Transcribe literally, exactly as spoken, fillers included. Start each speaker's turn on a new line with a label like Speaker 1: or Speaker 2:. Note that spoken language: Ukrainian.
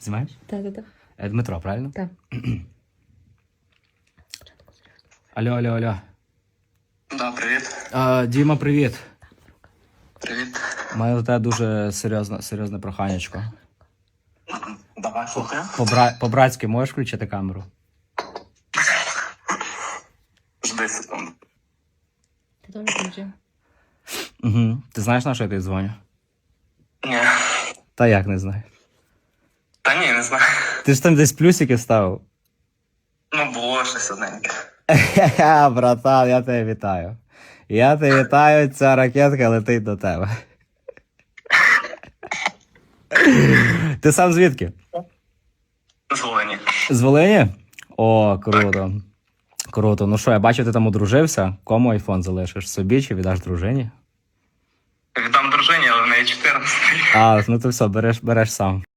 Speaker 1: Знімаєш?
Speaker 2: Так, так, так.
Speaker 1: Е, Дмитро, правильно?
Speaker 2: Так.
Speaker 1: Алло, алло, алло.
Speaker 3: Да, привіт.
Speaker 1: А, Діма, привіт.
Speaker 3: Привіт.
Speaker 1: У мене до тебе дуже серйозне, серйозне проханечко.
Speaker 3: Давай, слухаю.
Speaker 1: По-бра- По-братськи можеш включити камеру?
Speaker 3: Жди секунду.
Speaker 2: Ти теж включив?
Speaker 1: Угу. Ти знаєш, на що я тобі дзвоню?
Speaker 3: Ні.
Speaker 1: Та як не знаю.
Speaker 3: Та ні, не знаю.
Speaker 1: Ти ж там десь плюсики ставив.
Speaker 3: Ну, було щось одненьке.
Speaker 1: Ха, братан, я тебе вітаю. Я тебе вітаю, ця ракетка летить до тебе. Ти сам звідки?
Speaker 3: З Волині.
Speaker 1: З Волині? О, круто. Круто. Ну що, я бачу, ти там одружився. Кому айфон залишиш? Собі чи віддаш дружині?
Speaker 3: Віддам дружині, але в неї чотирнадцять.
Speaker 1: А, ну ти все, береш, береш сам.